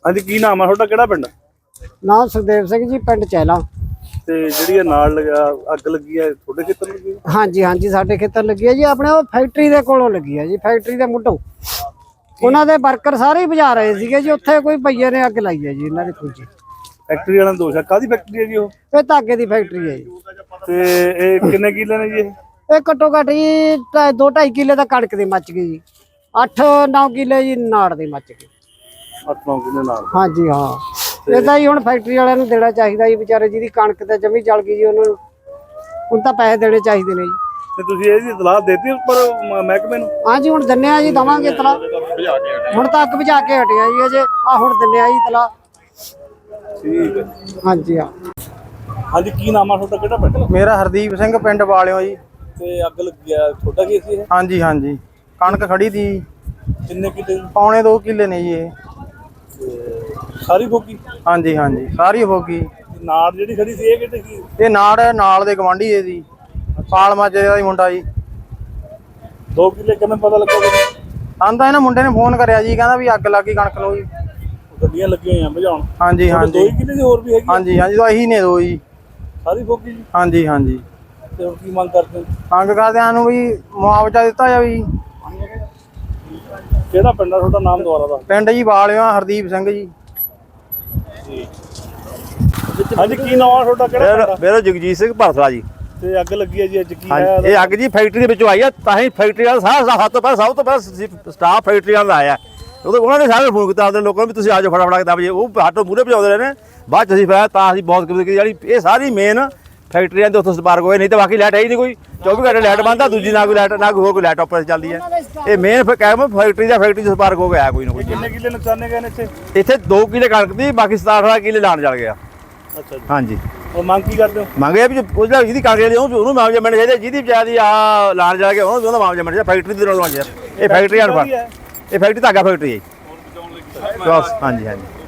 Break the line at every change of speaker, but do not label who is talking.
ਹਾਂਜੀ ਕੀ ਨਾਮ ਆ ਤੁਹਾਡਾ, ਕਿਹੜਾ ਪਿੰਡ?
ਨਾਮ ਸੁਖਦੇਵ ਸਿੰਘ ਜੀ, ਪਿੰਡ ਚਹਿਲਾ।
ਤੇ ਜਿਹੜੀ ਇਹ ਨਾਲ ਲਗਾ ਅੱਗ ਲੱਗੀ ਹੈ ਤੁਹਾਡੇ ਖੇਤਰ ਨੂੰ ਲੱਗੀ?
ਹਾਂਜੀ ਹਾਂਜੀ, ਸਾਡੇ ਖੇਤਰ ਲੱਗੀ ਹੈ ਜੀ। ਆਪਣੇ ਉਹ ਫੈਕਟਰੀ ਦੇ ਕੋਲੋਂ ਲੱਗੀ ਹੈ ਜੀ, ਫੈਕਟਰੀ ਦੇ ਮੁੱਢੋਂ। ਉਹਨਾਂ ਦੇ ਵਰਕਰ ਸਾਰੇ ਹੀ ਬੁਝਾ ਰਹੇ ਸੀਗੇ ਜੀ, ਉੱਥੇ ਕੋਈ ਭਈਏ ਨੇ ਅੱਗ ਲਾਈ ਹੈ ਜੀ ਇਹਨਾਂ ਦੀ ਫੌਜੀ।
ਫੈਕਟਰੀ ਵਾਲਾ ਦੋਸ਼ ਹੈ? ਕਾਹਦੀ ਫੈਕਟਰੀ ਹੈ ਜੀ ਉਹ?
ਇਹ ਧਾਗੇ ਦੀ ਫੈਕਟਰੀ ਹੈ ਜੀ।
ਤੇ ਇਹ ਕਿੰਨੇ ਕਿੱਲੇ ਨੇ ਜੀ
ਇਹ ਘੱਟੋ ਘੱਟ ਜੀ 2-2.5 ਕਿੱਲੇ ਦਾ ਕਣਕ ਦੀ ਮੱਚ ਗਈ ਜੀ। 8-9 ਕਿੱਲੇ ਜੀ ਨਾੜ ਦੇ ਮੱਚ ਗਏ।
8-9 ਕਿੱਲੇ ਨਾਲ?
ਹਾਂਜੀ ਹਾਂ। ਇਹਦਾ ਹੀ ਹੁਣ ਫੈਕਟਰੀ ਵਾਲਿਆਂ ਨੂੰ ਦੇਣਾ ਚਾਹੀਦਾ ਜੀ, ਵਿਚਾਰੇ ਜਿਹਦੀ ਕਣਕ ਤੇ ਜਮੀ ਜਲ ਗਈ ਜੀ, ਉਹਨਾਂ ਨੂੰ ਹੁਣ ਤਾਂ ਪੈਸੇ ਦੇਣੇ ਚਾਹੀਦੇ ਨੇ ਜੀ।
ਤੇ ਤੁਸੀਂ ਇਹਦੀ ਇਤਲਾਹ ਦੇਤੀ ਉੱਪਰ ਮਹਿਕਮੇ ਨੂੰ?
ਹਾਂਜੀ ਹੁਣ ਦਿੰਨੇ ਆ ਜੀ, ਦਵਾਂਗੇ ਇਤਲਾਹ। ਹੁਣ ਤਾਂ ਅੱਗ ਬੁਝਾ ਕੇ ਹਟਿਆ ਜੀ ਅਜੇ, ਆ ਹੁਣ ਦਿੰਨੇ ਆ ਜੀ ਇਤਲਾਹ।
ਠੀਕ ਹੈ।
ਹਾਂਜੀ ਹਾਂ।
ਹਾਂਜੀ ਕੀ ਨਾਮ ਆ ਤੁਹਾਡਾ, ਕਿਹੜਾ ਪਿੰਡ?
ਮੇਰਾ ਹਰਦੀਪ ਸਿੰਘ, ਪਿੰਡ ਵਾਲਿਓ ਜੀ।
ਤੇ ਅੱਗ ਲੱਗੀ ਆ, ਤੁਹਾਡਾ ਕੀ ਸੀ ਇਹ?
ਹਾਂਜੀ ਹਾਂਜੀ, ਕਣਕ ਖੜੀ ਤੀ।
ਕਿੰਨੇ ਕਿੱਲੇ?
ਪੌਣੇ 2 ਕਿੱਲੇ ਨੇ ਜੀ ਇਹ।
ਸਾਰੀ ਫੋਕੀ?
ਹਾਂਜੀ ਹਾਂਜੀ, ਸਾਰੀ ਹੋ ਗਈ।
ਨਾੜ ਜਿਹੜੀ ਖੜੀ ਸੀ ਇਹ ਕਿਤੇ ਕੀ?
ਇਹ ਨਾਲ ਦੇ ਗਵਾਂਢੀ ਦੇ ਦੀ ਪਾਲ ਮਾਜੇ ਦਾ ਹੀ ਮੁੰਡਾ ਜੀ।
2 ਕਿੱਲੇ ਕਿਵੇਂ ਪਤਾ ਲੱਗਾ?
ਆਂਦਾ ਇਹਨਾਂ ਮੁੰਡੇ ਨੇ ਫੋਨ ਕਰਿਆ ਜੀ, ਕਹਿੰਦਾ ਵੀ ਅੱਗ ਲੱਗ ਗਈ ਕਣਕ ਨੂੰ ਜੀ।
ਗੱਡੀਆਂ ਲੱਗੀਆਂ ਹੋਈਆਂ ਬੁਝਾਉਣ?
ਹਾਂਜੀ ਹਾਂਜੀ।
2 ਕਿੱਲੇ ਦੀ ਹੋਰ ਵੀ ਹੈਗੀ?
ਹਾਂਜੀ ਹਾਂਜੀ, ਤਾਂ ਇਹੀ ਨੇ 2 ਜੀ।
ਸਾਰੀ ਫੋਕੀ ਜੀ?
ਹਾਂਜੀ ਹਾਂਜੀ।
ਤੇ ਹੁਣ ਕੀ ਮੰਗ ਕਰਦੇ ਹੋ?
ਮੰਗ ਕਰਦਿਆਂ ਨੂੰ ਵੀ ਮੁਆਵਜ਼ਾ ਦਿੱਤਾ ਜਾਵੇ ਜੀ।
ਕਿਹੜਾ ਪਿੰਡ ਆ ਤੁਹਾਡਾ, ਨਾਮ ਦੁਆਰਾ ਦਾ?
ਪਿੰਡ ਜੀ ਵਾਲਿਓ, ਹਰਦੀਪ ਸਿੰਘ ਜੀ।
ਹਾਂਜੀ ਕੀ ਨਾਮ ਆ ਤੁਹਾਡਾ, ਕਿਹੜਾ ਪਿੰਡ?
ਮੇਰਾ ਜਗਜੀਤ ਸਿੰਘ ਭਰਸਲਾ ਜੀ।
ਤੇ ਅੱਗ ਲੱਗੀ ਹੈ ਜੀ ਅੱਜ, ਕੀ ਹੈ?
ਇਹ ਅੱਗ ਜੀ ਫੈਕਟਰੀ ਦੇ ਵਿੱਚੋਂ ਆਈ ਆ, ਤਾਂ ਹੀ ਫੈਕਟਰੀ ਵਾਲਾ ਸਭ ਤੋਂ ਪਹਿਲਾਂ ਸਟਾਫ ਫੈਕਟਰੀ ਵਾਲਾ ਆਇਆ। ਉਹਨਾਂ ਨੇ ਸਾਰੇ ਫੋਨ ਕੀਤਾ ਆਪਣੇ ਲੋਕਾਂ ਨੂੰ ਵੀ ਤੁਸੀਂ ਆ ਜਾਓ ਫਟਾਫਟ ਕੇ 10 ਵਜੇ। ਉਹ ਹੱਥੋਂ ਮੂਹਰੇ ਭਜਾਉਂਦੇ ਰਹੇ ਨੇ, ਬਾਅਦ ਚ ਅਸੀਂ ਫਿਰ ਤਾਂ ਅਸੀਂ ਬਹੁਤ ਕਿਸਮਤ ਕੀਤੀ ਜਿਹੜੀ ਇਹ ਸਾਰੀ ਮੇਨ ਫੈਕਟਰੀਆਂ ਦੇ ਉੱਥੋਂ ਸਪਾਰਕ ਹੋਏ। ਨਹੀਂ ਤਾਂ ਬਾਕੀ ਲਾਈਟ ਹੈ ਹੀ ਨਹੀਂ ਕੋਈ, 24 ਘੰਟੇ ਲਾਈਟ ਬੰਦ ਆ, ਦੂਜੀ ਨਾ ਕੋਈ ਲਾਈਟ ਨਾ ਕੋਈ ਹੋਰ ਕੋਈ ਲਾਈਟ ਆਪਰੇਟ ਚੱਲਦੀ ਹੈ। ਇਹ ਮੇਨ ਕਹਿ ਫੈਕਟਰੀ ਦਾ ਸਪਾਰਕ ਹੋ ਗਿਆ ਕੋਈ ਨਾ ਕੋਈ।
ਕਿੰਨੇ ਕਿੱਲੇ ਨੁਕਸਾਨੇ ਗਏ ਨੇ ਇੱਥੇ?
ਇੱਥੇ 2 ਕਿੱਲੇ ਕਣਕ ਦੀ, ਬਾਕੀ 17-18 ਕਿੱਲੇ ਲਾਣ ਚੱਲ ਗਿਆ।
ਅੱਛਾ ਜੀ।
ਹਾਂਜੀ।
ਉਹ ਮੰਗ ਕੀ ਕਰਦੇ ਹੋ?
ਮੰਗਿਆ ਵੀ ਉਹਦਾ ਜਿਹਦੀ ਕਾਂਗਰਸ ਦੀ ਉਹਨੂੰ ਮੁਆਵਜ਼ਾ ਮਿਲਣਾ ਚਾਹੀਦਾ, ਜਿਹਦੀ ਵਿਚਾਰੀ ਆ ਲਾਣ ਜਾ ਕੇ ਉਹਦਾ ਮੁਆਵਜ਼ਾ ਮਿਲਣਾ ਚਾਹੀਦਾ। ਫੈਕਟਰੀ ਦੇ ਨਾਲ ਇਹ ਫੈਕਟਰੀ ਧਾਗਾ ਫੈਕਟਰੀ ਹੈ। ਬਸ ਹਾਂਜੀ ਹਾਂਜੀ।